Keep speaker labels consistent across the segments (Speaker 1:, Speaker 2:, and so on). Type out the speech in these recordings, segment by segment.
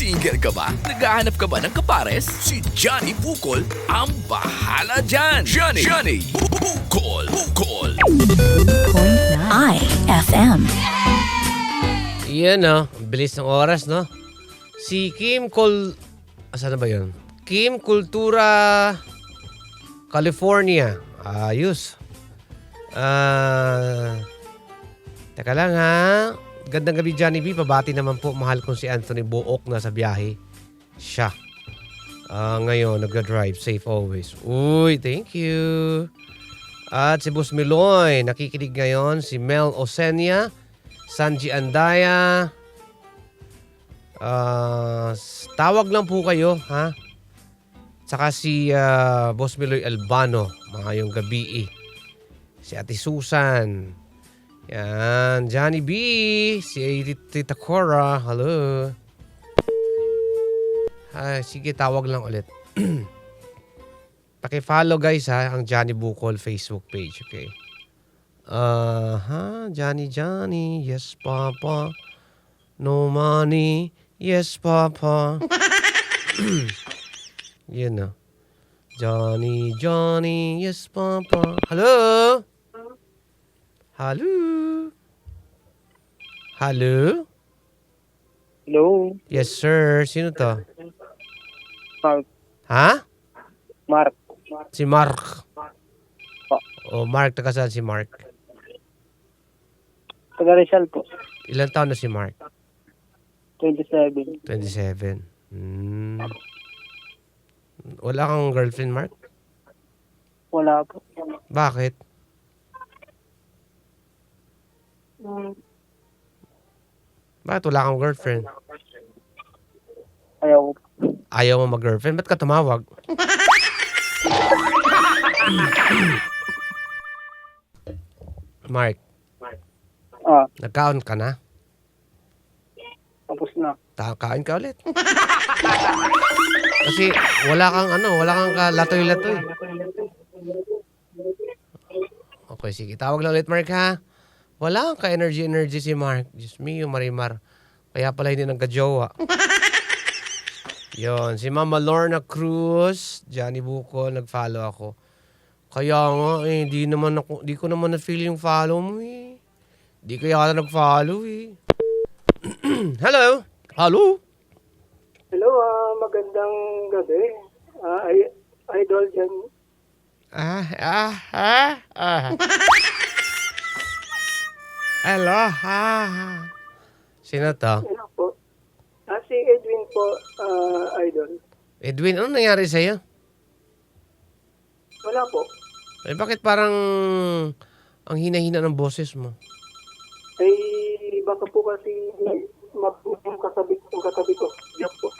Speaker 1: Single ka ba? Naghahanap ka ba ng kapares? Si Johnny Bukol ang bahala dyan! Johnny Bukol!
Speaker 2: IFM.
Speaker 3: Yan no, bilis ng oras no. Si Asan na ba yun? Kim Kultura California. Ayos. Teka lang ha. Gandang gabi Johnny B. Pabati naman po mahal kong si Anthony Buok na sa biyahe. Siya. Ngayon nag-drive. Safe always. Uy, thank you. At si Boss Miloy. Nakikinig ngayon. Si Mel Osenia. Sanji Andaya. Tawag lang po kayo, ha? Saka si Boss Miloy Albano. Mahayong gabi Si Ate Susan. Yan. Johnny B. Si Tita Cora. Hello. Sige, tawag lang ulit. Paki-follow guys ha, ang Johnny Bukol Facebook page. Okay. Johnny, yes papa. No money, yes papa. Yun na. Johnny, yes papa. Hello? Hello? Hello?
Speaker 4: Hello,
Speaker 3: Yes sir, sino to?
Speaker 4: Mark.
Speaker 3: Ha?
Speaker 4: Mark.
Speaker 3: Si Mark. Mark, taga saan si Mark?
Speaker 4: Taga Rizal po.
Speaker 3: Ilan taon na si Mark?
Speaker 4: 27.
Speaker 3: 27. Wala kang girlfriend, Mark?
Speaker 4: Wala po.
Speaker 3: Bakit? Bakit wala kang girlfriend?
Speaker 4: Ayaw ko.
Speaker 3: Ayaw mo mag-girlfriend? Ba't ka tumawag? Mark, nagkaon ka na?
Speaker 4: Tapos na.
Speaker 3: Kain ka ulit. Kasi wala kang latoy-latoy. Okay, sige. Tawag lang ulit, Mark, ha? Wala kang ka-energy si Mark. Diyos mio, Marimar. Kaya pala hindi nagka-jowa. Yon, si Mama Lorna Cruz, Johnny Bukol, nag-follow ako. Kaya nga, di ko naman na-feel yung follow mo, Di ko yata nag-follow, Hello? Hello?
Speaker 4: Hello, magandang gabi. Idol dyan.
Speaker 3: Hello, Sino to?
Speaker 4: Hello po. Si Edwin po, Idol.
Speaker 3: Edwin, ano nangyari sa'yo?
Speaker 4: Wala po.
Speaker 3: Bakit parang ang hina-hina ng boses mo?
Speaker 4: Baka po kasi yung katabi ko. Diyan po.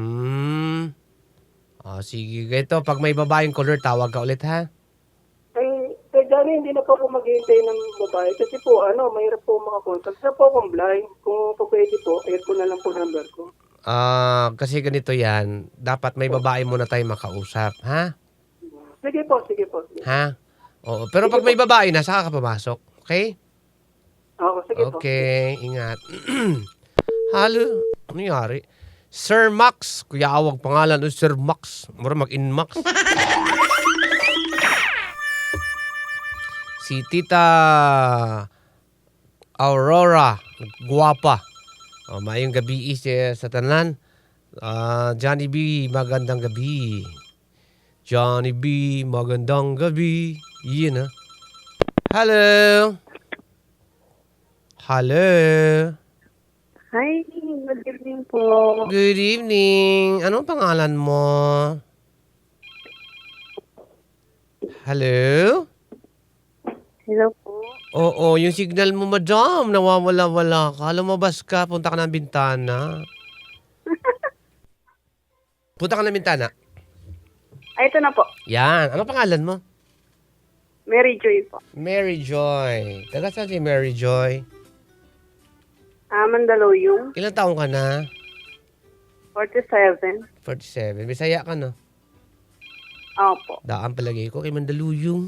Speaker 3: Sige. Ito, pag may babaeng color, tawag ka ulit, ha?
Speaker 4: Johnny, hindi na po ako maghihintay ng babae. Kasi po, mahirap po makakontact. Sa po akong blind. Kung pwede po, add ko na lang po number ko.
Speaker 3: Kasi ganito yan. Dapat may babae muna tayo makausap, ha?
Speaker 4: Sige po.
Speaker 3: Ha? Oo. Pero pag may babae na, saka ka pumasok. Okay?
Speaker 4: Ako, sige po.
Speaker 3: Okay, ingat. Halo, ano nangyari? Sir Max. Kuya awag pangalan o Sir Max. Mura mag-in-max. Si Tita Aurora. Guwapa. Mayong gabi sa tanan. Johnny B, magandang gabi. Johnny B, magandang gabi. Yun, Hello. Hello.
Speaker 5: Hi, good evening po.
Speaker 3: Good evening. Anong pangalan mo? Hello?
Speaker 5: Hello po.
Speaker 3: Oo, yung signal mo, madam, nawawala-wala ka. Lumabas ka, punta ka ng bintana. Punta ka ng bintana.
Speaker 5: Ito na po.
Speaker 3: Yan. Ano pangalan mo?
Speaker 5: Mary Joy po.
Speaker 3: Mary Joy. Taga saan si Mary Joy?
Speaker 5: Mandaluyong.
Speaker 3: Ilang taong ka na?
Speaker 5: 47.
Speaker 3: 47. Bisaya ka, no?
Speaker 5: Opo.
Speaker 3: Daan palagay ko kay Mandaluyong.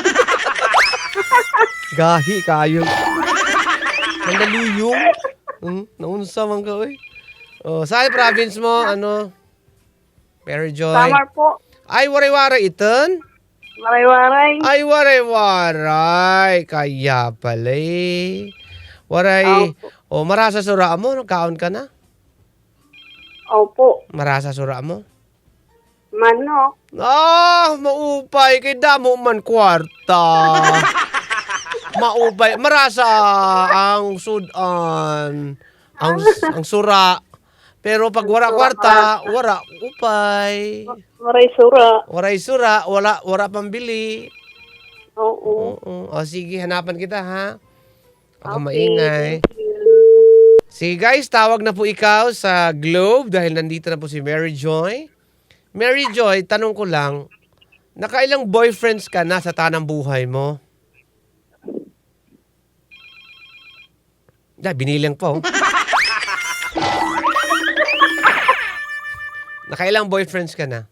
Speaker 3: Gahi kayo. Mandaluyong. Naunsa man ka, oy. Oh, saan yung province mo? Ano? Mary Joy.
Speaker 5: Samar po.
Speaker 3: Ay, waray-waray iton?
Speaker 5: Waray-waray.
Speaker 3: Ay, waray-waray. Kaya pala eh. Waray. O, marasa sura mo. Nagkaon ka na?
Speaker 5: Opo.
Speaker 3: Marasa sura mo?
Speaker 5: Manok.
Speaker 3: Ah, maupay. Kay damo man kwarta. Maupay. Marasa ang sudan. Ang sura. Pero pag wala kwarta, wala upay.
Speaker 5: Waray-sura.
Speaker 3: Waray sura, wala pambili.
Speaker 5: Oo.
Speaker 3: Oo. O sige, hanapan kita ha. Ako
Speaker 5: Okay.
Speaker 3: maingay.
Speaker 5: Thank you.
Speaker 3: Sige guys, tawag na po ikaw sa Globe dahil nandito na po si Mary Joy. Mary Joy, tanong ko lang, nakailang boyfriends ka na sa tanang buhay mo? Binilang po. Nakailang boyfriends ka na?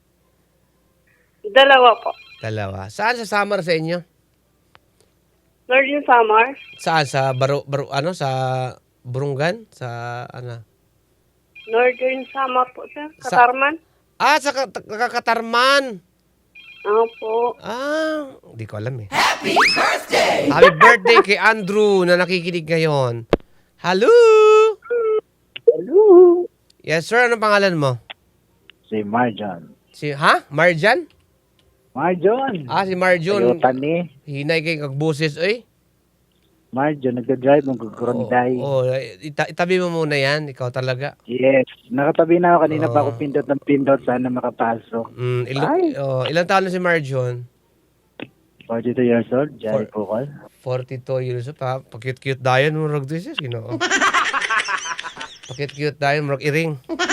Speaker 5: Dalawa po.
Speaker 3: Dalawa. Saan sa summer sa inyo?
Speaker 5: Northern Samar.
Speaker 3: Saan? Sa ano? Sa Burungan? Sa ano?
Speaker 5: Northern Samar po, sir.
Speaker 3: Sa-
Speaker 5: Katarman.
Speaker 3: Sa Katarman.
Speaker 5: Opo.
Speaker 3: Hindi ko alam eh. Happy birthday! Happy birthday kay Andrew na nakikinig ngayon. Hello!
Speaker 2: Hello.
Speaker 3: Yes sir, anong pangalan mo?
Speaker 2: Si Marjon.
Speaker 3: Marjan?
Speaker 2: Marjon.
Speaker 3: Si Marjon.
Speaker 2: Toyota ni.
Speaker 3: Hinay kay kagbusis, oy.
Speaker 2: Marjon, nagda-drive ng Grunday.
Speaker 3: Itabi mo muna yan. Ikaw talaga.
Speaker 2: Yes. Nakatabi na ako. Kanina pa
Speaker 3: Oo.
Speaker 2: ako pindot ng pindot. Sana makapasok. Ay.
Speaker 3: Ilang taon na si Marjon?
Speaker 2: 42 years old. Jai Pukol.
Speaker 3: 42 years old. Pakit-cute dayan mo rag this is, ginoo. Pakit-cute dayan mo rag iring.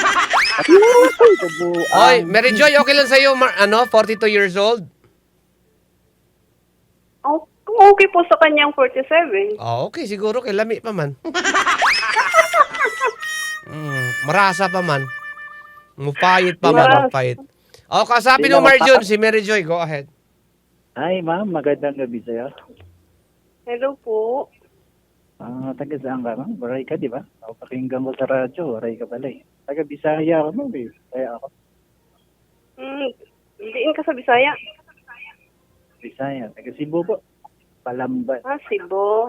Speaker 3: Oy, Mary Joy, okay lang sa'yo, 42 years old?
Speaker 5: Okay po sa kanyang 47.
Speaker 3: Okay, siguro kay lami pa man. Marasa pa man. Mupayit pa man,
Speaker 5: Marasa.
Speaker 3: mupayit. Kasapin mo, Marjon, si Mary Joy, go ahead.
Speaker 2: Ay, ma'am. Magandang gabi sa'yo.
Speaker 5: Hello po.
Speaker 2: Taga saan ka, ma'am? Waray ka, di ba? Ako pakinggan ko sa radyo. Waray ka pala eh. Taga Bisaya ako, ma'am. Kaya ako.
Speaker 5: Diin ka sa Bisaya.
Speaker 2: Bisaya. Taga Cebu po. Palamban.
Speaker 5: Cebu.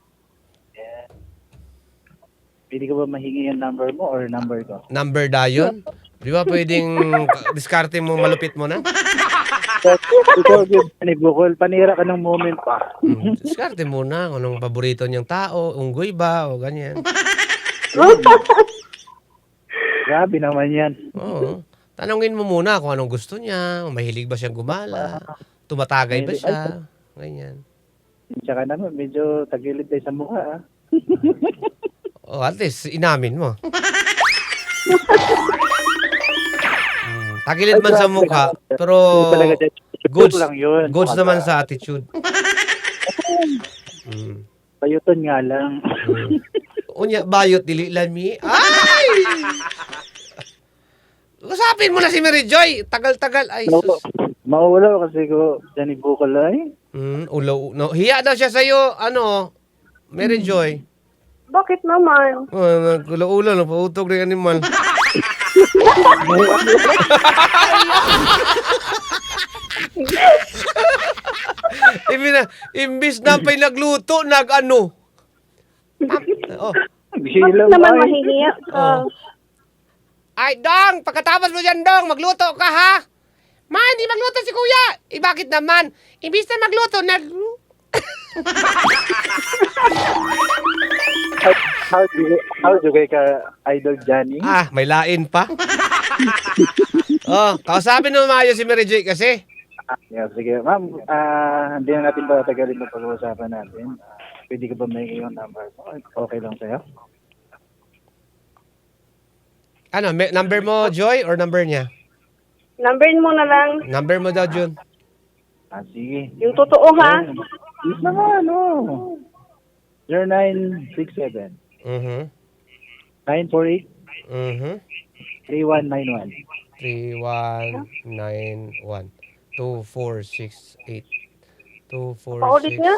Speaker 2: Pwede ka ba mahingi yung number mo or number ko?
Speaker 3: Number dayon? Di ba pwedeng diskarte mo, malupit mo na?
Speaker 2: Ikaw, ni Bukol, panira ka ng moment pa.
Speaker 3: Diskarte muna kung anong paborito niyang tao, unggoy ba, o ganyan.
Speaker 2: Grabe naman yan.
Speaker 3: Oo. Tanungin mo muna kung anong gusto niya, kung mahilig ba siyang gumala, tumatagay ba siya, ganyan.
Speaker 2: Tsaka naman, medyo tagilid tayo sa mukha.
Speaker 3: At least, inamin mo. Tagilid man sa mukha, pero goods
Speaker 2: lang yun.
Speaker 3: goods naman sa attitude.
Speaker 2: Payuton nga lang.
Speaker 3: Unya, bayot, dili lami. Ay! Usapin mo na si Mary Joy. Tagal-tagal. Ay, sus.
Speaker 2: Mawala kasi ko dyan ni Bukol ay.
Speaker 3: Ulo. No. Hiya daw siya sa'yo, Mary Joy.
Speaker 5: Bakit naman?
Speaker 3: Ulo-ulo, no, pautog rin animal. Imbis na pa'y nagluto, nag-ano.
Speaker 5: Bakit naman mahihiya ka?
Speaker 3: Ay, Dong! Pagkatapos mo dyan, Dong, magluto ka, ha? Ma, hindi magluto si Kuya! Bakit naman? Imbis na magluto,
Speaker 2: How do kay ka Idol Johnny?
Speaker 3: may lain pa. Kausapin mo maayos si Mary Joy kasi.
Speaker 2: Yeah, sige. Ma'am, hindi na natin patagalin na pag-uusapan natin. Pwede ka ba may iyong number mo? Okay lang sa'yo?
Speaker 3: Number mo, Joy, or number niya?
Speaker 5: Numberin mo na lang.
Speaker 3: Number mo daw, Jun.
Speaker 2: Sige.
Speaker 5: Yung totoo, ha?
Speaker 2: Yes naman, 0967 948 3191
Speaker 3: 3191 2468
Speaker 5: Paulit nga?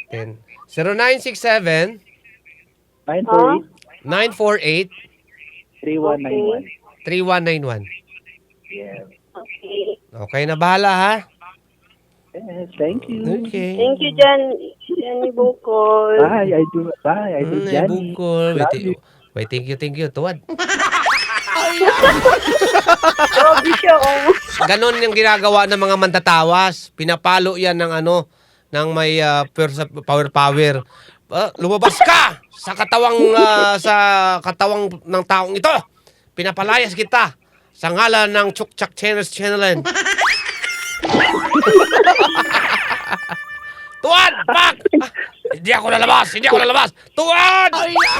Speaker 3: 2468 10 0967
Speaker 2: 948
Speaker 3: 948
Speaker 2: 3191.
Speaker 3: 3191.
Speaker 2: Yes.
Speaker 5: Okay.
Speaker 3: Okay na, bahala ha?
Speaker 2: Yes, thank you.
Speaker 3: Okay.
Speaker 5: Thank you, Johnny Bukol.
Speaker 2: Bye, Idol. Bye, Idol
Speaker 3: Ay,
Speaker 2: Johnny.
Speaker 3: bukol.
Speaker 2: Love you.
Speaker 3: Wait, thank you. Tuwad.
Speaker 5: Grabe siya, oh.
Speaker 3: Ganon yung ginagawa ng mga mandatawas. Pinapalo yan ng ng may power. Lumabas ka sa katawang ng taong ito. Pinapalayas kita sa ngalan ng Chukchak Channel. Tuwad! Pak! Hindi ako lalabas! Tuwad!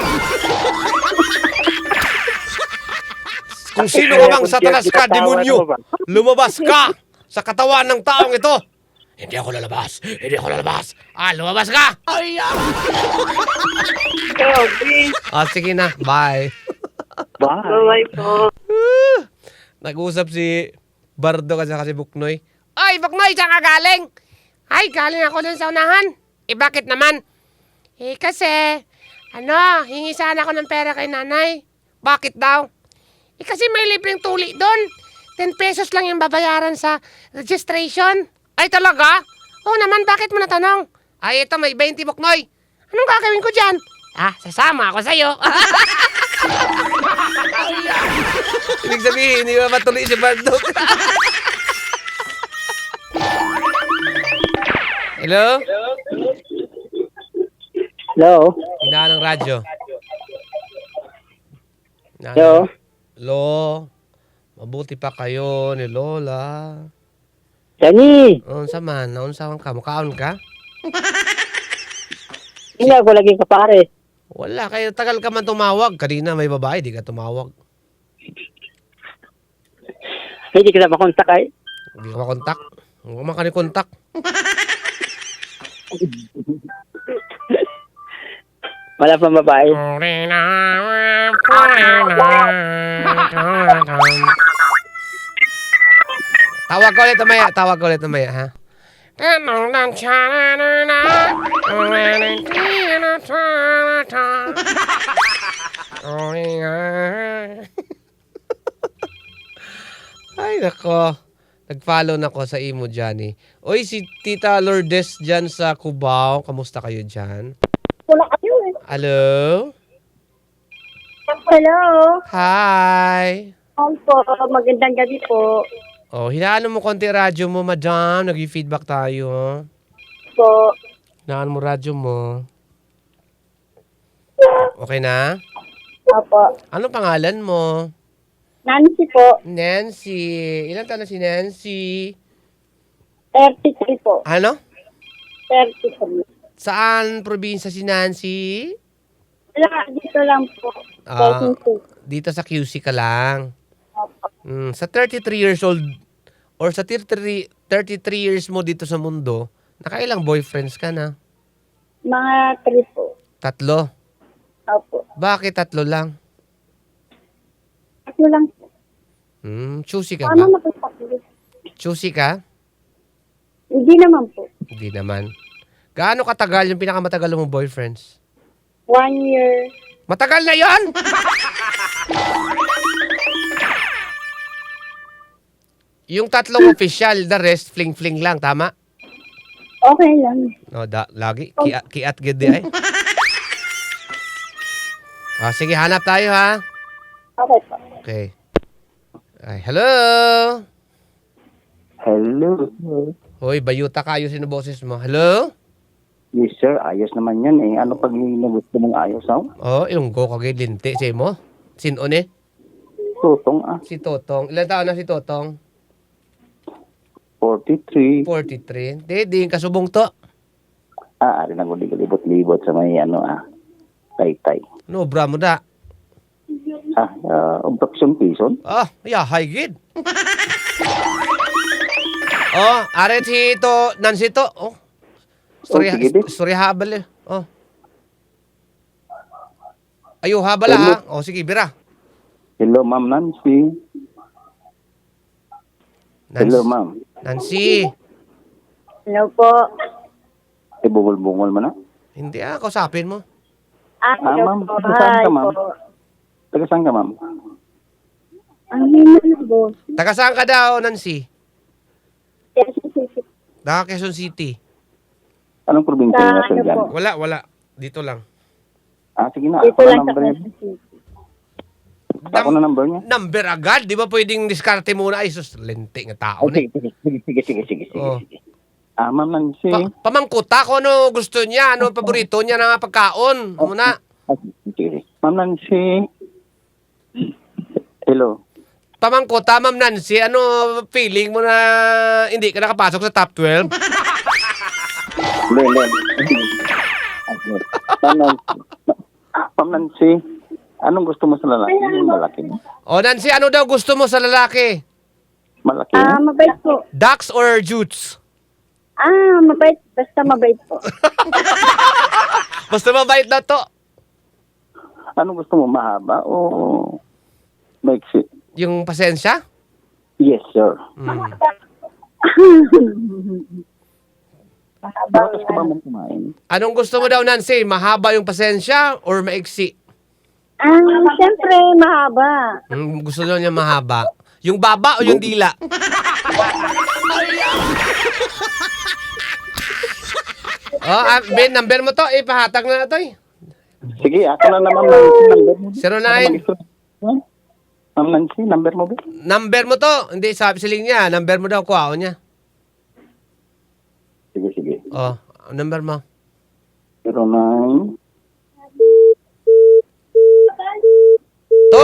Speaker 3: Kung sino ka mang satanas ka, demonyo, lumabas ka sa katawan ng taong ito. Hindi ako lalabas. Lumabas ka!
Speaker 5: Grabe.
Speaker 3: Sige na. Bye.
Speaker 2: Bye.
Speaker 5: Bye po.
Speaker 3: Nag-usap si Bardo kasi Buknoy. Ay, Buknoy, saan ka galing? Ay, galing ako dun sa unahan. Bakit naman? Kasi, hingi sana ako ng pera kay nanay. Bakit daw? Kasi may libreng tuli doon. 10 pesos lang yung babayaran sa registration. Ay, talaga? Oo naman, bakit mo natanong? Ay, ito, may 20 Buknoy. Anong gagawin ko dyan? Sasama ako sa'yo. Ibig sabihin, hindi ba matuloy si Bardo? Hello?
Speaker 6: Hello?
Speaker 3: Hinaan ng radyo.
Speaker 6: Hello?
Speaker 3: Hello? Mabuti pa kayo ni Lola.
Speaker 6: Johnny!
Speaker 3: Unsa man? Naunsawan ka? Mukaon ka?
Speaker 6: Hindi ako lagi kapare.
Speaker 3: Wala. Kaya tagal ka man tumawag. Kanina may babae, di ka tumawag.
Speaker 6: Hindi ka na makontak ay.
Speaker 3: Hindi ka makontak. Huwag ka makanikontak.
Speaker 6: Wala pang babae.
Speaker 3: Tawag ko ulit mamaya, ha? Ay, nako. Nag-follow na ko sa imo, Johnny. Oy, si Tita Lourdes dyan sa Cubao. Kamusta kayo dyan?
Speaker 5: Wala kayo eh.
Speaker 3: Hello?
Speaker 5: Hello.
Speaker 3: Hi!
Speaker 5: Po, magandang gabi po.
Speaker 3: Oh, hinaan mo konti radyo mo, madam. Nag-feedback tayo.
Speaker 5: Po.
Speaker 3: Hinaan mo radyo mo. Okay na?
Speaker 5: Opo.
Speaker 3: Ano pangalan mo?
Speaker 5: Nancy po.
Speaker 3: Nancy. Ilan taon na si Nancy?
Speaker 5: 33 po.
Speaker 3: Ano?
Speaker 5: 33.
Speaker 3: Saan probinsya si Nancy?
Speaker 5: Wala, dito lang po.
Speaker 3: Dito sa QC ka lang.
Speaker 5: Opo.
Speaker 3: Sa 33 years old or sa 33 years mo dito sa mundo, nakailang boyfriends ka na?
Speaker 5: Mga 3 po.
Speaker 3: 3?
Speaker 5: Opo.
Speaker 3: Bakit 3 lang?
Speaker 5: Tatlo lang po.
Speaker 3: Choosy ka
Speaker 5: Ano
Speaker 3: ba?
Speaker 5: na po tatlo?
Speaker 3: Choosy ka?
Speaker 5: Hindi naman po.
Speaker 3: Hindi naman. Gaano katagal yung pinakamatagal mong boyfriends?
Speaker 5: 1 year.
Speaker 3: Matagal na yon? Yung 3 official, the rest, fling-fling lang, tama?
Speaker 5: Okay lang.
Speaker 3: No, lagi. Kiat gede ay. Sige, hanap tayo ha.
Speaker 5: Okay po.
Speaker 3: Okay. Ay, hello?
Speaker 6: Hello?
Speaker 3: Hoy, bayuta kayo sino boses mo. Hello?
Speaker 6: Yes sir, ayos naman yan eh. Ano pag gusto mong ayos ha?
Speaker 3: Ilunggo kagay linti sa mo. Sino ni?
Speaker 6: Tutong
Speaker 3: Si Totong. Ilan taon na si Totong?
Speaker 6: 43.
Speaker 3: 43. Di kasubong to.
Speaker 6: Ari na libot-libot sa may taytay.
Speaker 3: No, bra mo da.
Speaker 6: Obstruction Quezon.
Speaker 3: High gid. Are si to, Nancy to.
Speaker 6: sige din.
Speaker 3: Story habal eh. Ayo habal ha. Sige, bira.
Speaker 6: Hello ma'am Nancy. Hello ma'am.
Speaker 3: Nancy.
Speaker 5: Hello po.
Speaker 6: Bungol-bungol mo na?
Speaker 3: Hindi kausapin mo.
Speaker 5: Hello
Speaker 6: ma'am,
Speaker 5: po.
Speaker 6: saan
Speaker 5: Hi
Speaker 6: ka, ma'am?
Speaker 5: po.
Speaker 6: Taga saan ka, ma'am?
Speaker 5: Ang hina na, boss.
Speaker 3: Taga saan ka daw, Nancy?
Speaker 5: Quezon City.
Speaker 3: Taga Quezon City.
Speaker 6: Anong probinsya
Speaker 5: Sa
Speaker 6: niya, Sir
Speaker 5: ano
Speaker 6: Jan?
Speaker 5: po?
Speaker 3: Wala. Dito lang.
Speaker 6: Sige na,
Speaker 5: Dito
Speaker 6: ako na
Speaker 5: lang sa
Speaker 6: number niya.
Speaker 5: Quezon City.
Speaker 6: Ako na number niya.
Speaker 3: Number agad? Di ba pwedeng diskarte muna? Ay, sus, lente nga tao na.
Speaker 6: Sige.
Speaker 3: Oh.
Speaker 6: Ma'am Nancy.
Speaker 3: Pamangkuta ko ano gusto niya, ano paborito niya na pagkaon. Muna.
Speaker 6: Sige. Ma'am Nancy. Hello.
Speaker 3: Pamangkuta, Ma'am Nancy, ano feeling mo na hindi ka nakapasok sa top 12?
Speaker 6: Hindi. Ma'am Nancy, anong gusto mo sa lalaki? Yung malaki.
Speaker 3: O Nancy, ano daw gusto mo sa lalaki?
Speaker 6: Malaki?
Speaker 5: Mabait po.
Speaker 3: Ducks or jutes?
Speaker 5: Mabait. Basta mabait po.
Speaker 3: Basta mabait na to.
Speaker 6: Anong gusto mo? Mahaba o maiksi?
Speaker 3: Yung pasensya?
Speaker 6: Yes, sir. Bakit ka ba mong kumain?
Speaker 3: Anong gusto mo daw, Nancy? Mahaba yung pasensya or maiksi?
Speaker 5: Siyempre, mahaba.
Speaker 3: Gusto daw niya mahaba. Yung baba o yung dila? Ben, number mo to. Pahatag na to eh.
Speaker 6: Sige, ako na naman number mo.
Speaker 3: 09.
Speaker 6: Ma'am Nancy, number mo ba?
Speaker 3: Number mo to. Hindi, sabi siling niya. Number mo daw, kuha niya.
Speaker 6: Sige.
Speaker 3: Oh, number mo.
Speaker 6: 09.
Speaker 3: To!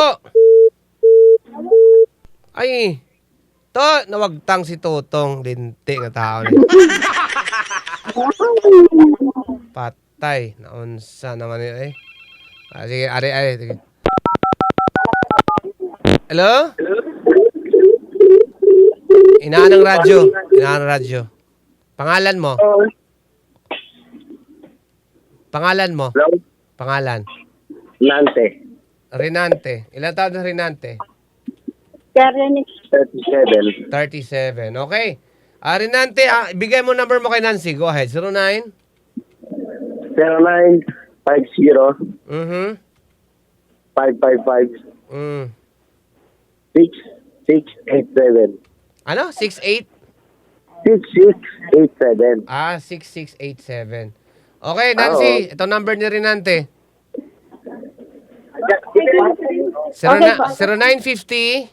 Speaker 3: Ay! To! Nawagtang si Totong. Linti nga tao niya. Patay. Naunsa naman yun eh. Sige, ari. Sige. Hello? Inaan ng radyo. Pangalan mo?
Speaker 7: Hello?
Speaker 3: Pangalan?
Speaker 7: Nante.
Speaker 3: Renante. Ilan taon na Renante?
Speaker 5: Karenix.
Speaker 7: 37.
Speaker 3: 37. Okay. Renante, ibigay mo number mo kay Nancy. Go ahead. 09?
Speaker 7: 0950
Speaker 3: Mhm.
Speaker 7: 555
Speaker 3: Mm.
Speaker 7: 6687.
Speaker 3: Ano? 68?
Speaker 7: 6687.
Speaker 3: 6687. Okay, Nancy. Ito number ni Renante. 0950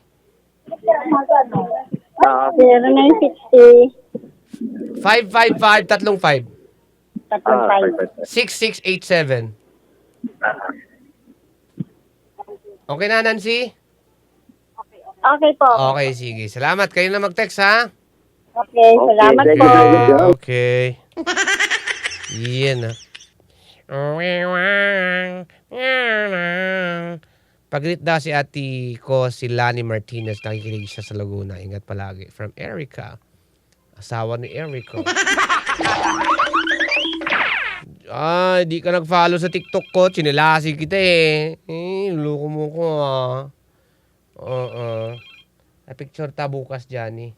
Speaker 5: 0960.
Speaker 3: 555 35
Speaker 5: 555.
Speaker 3: 6687. Okay na, Nancy?
Speaker 5: Okay po.
Speaker 3: Okay, sige. Salamat. Kayo na mag-text, ha?
Speaker 5: Okay, salamat
Speaker 7: thank
Speaker 5: po.
Speaker 7: you.
Speaker 3: Okay. Yan, ha? Pag-greet daw si ate ko, si Lani Martinez. Nakikinig siya sa Laguna. Ingat palagi. From Erica. Asawa ni Erica. Di ka nag-follow sa TikTok ko. Chinilasi kita eh. Loko mo ko picture ta bukas, Johnny.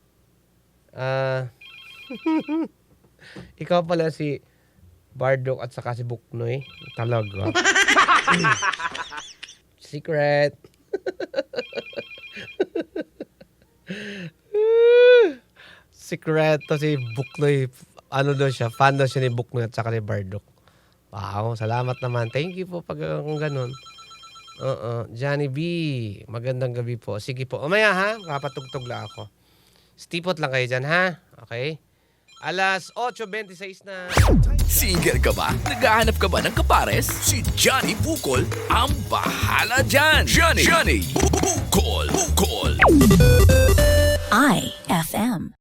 Speaker 3: Ikaw pala si Bardok at saka si Buknoy. Talaga. Secret. Secret to si Buknoy. Ano daw siya? Fan daw siya ni Buknoy at saka ni Bardok. Wow, salamat naman. Thank you po pag kung ganun. Johnny B. Magandang gabi po. Sige po. Umaya ha. Kapatugtog lang ako. Stipot lang kayo dyan ha. Okay? Alas 8:26 na.
Speaker 1: Single ka ba? Naghahanap ka ba ng kapares? Si Johnny Bukol ang bahala dyan. Johnny Bukol.
Speaker 8: IFM.